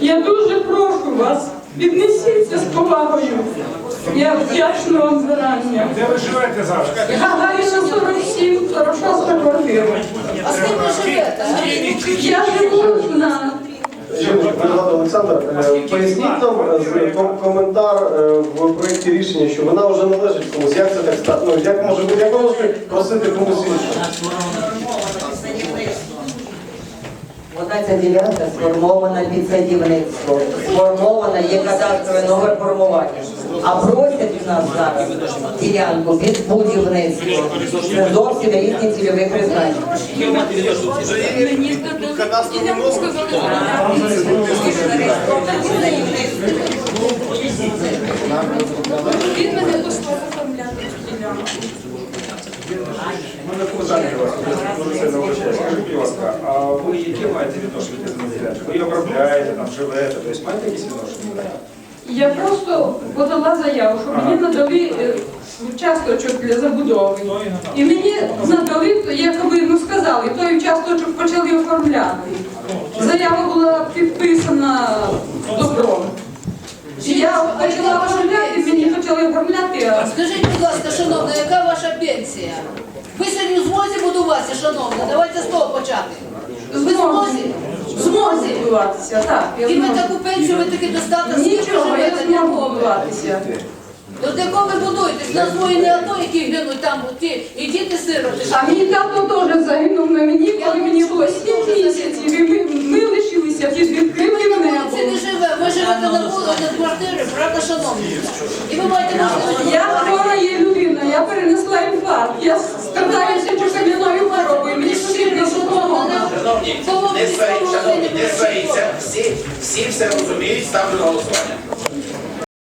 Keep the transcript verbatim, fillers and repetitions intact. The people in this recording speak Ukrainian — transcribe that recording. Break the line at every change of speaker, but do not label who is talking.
Я дуже прошу вас, віднесіться з повагою. Я вдячна вам зарані.
Де ви живете зараз?
Гагаріна сорок сім, сорок шоста квартира.
А з ким ви живете?
Я живу на...
Олександр, е, поясніть нам е, з- ком- коментар е, в проєкті рішення, що вона вже належить комусь. Як це так стати? Ну, як може бути? Як ви можете просити комусь іншого?
Вона ця ділянка сформована під садівництво, сформована, є кадастровий номер формування. А просять в нас зараз ділянку під будівництво. Це зовсім різні цільові призначення.
Він мене послав оформляти ділянку.
У мене питання до вас, дуже сильно вибачаю. Скажіть, будь ласка, а ви яке маєте відношення до земельної ділянки? Ви її обробляєте, там живете, тобто маєте якісь відношення?
Я просто подала заяву, щоб мені надали е, участочок для забудови. І мені надали, якоби ну, сказали, той участочок почали оформляти. Заява була підписана добром. І я почала оформляти, мені почали оформляти. а
Скажіть, будь ласка, шановна, яка ваша пенсія? Ви сьогодні в змозі будуватися, шановна? Давайте з того почати. Ви в змозі? В змозі?
будуватися, так. я
І ви
зможу.
таку пенсію, ви таки достатньо
Нічого, я
живете,
зможу
нікого.
будуватися.
До якого ви будуєтесь? На свої не ото, які гинуть там, ті, і діти сироти.
А мій тато теж загинув на мені, коли мені було сім місяців, і ми, ми лишилися під відкритим
Це не
небом.
живе, ви живете на вулиці, на квартирі, правда, шановні? І ви маєте можливість.
Я хвора є людина, я перенесла інфаркт, я страдаюся чокам'яною хворобою, мені потрібна допомога.
Шановні, не сваріться, шановні, не сваріться. Всі, всі все розуміють, ставлю на голосування.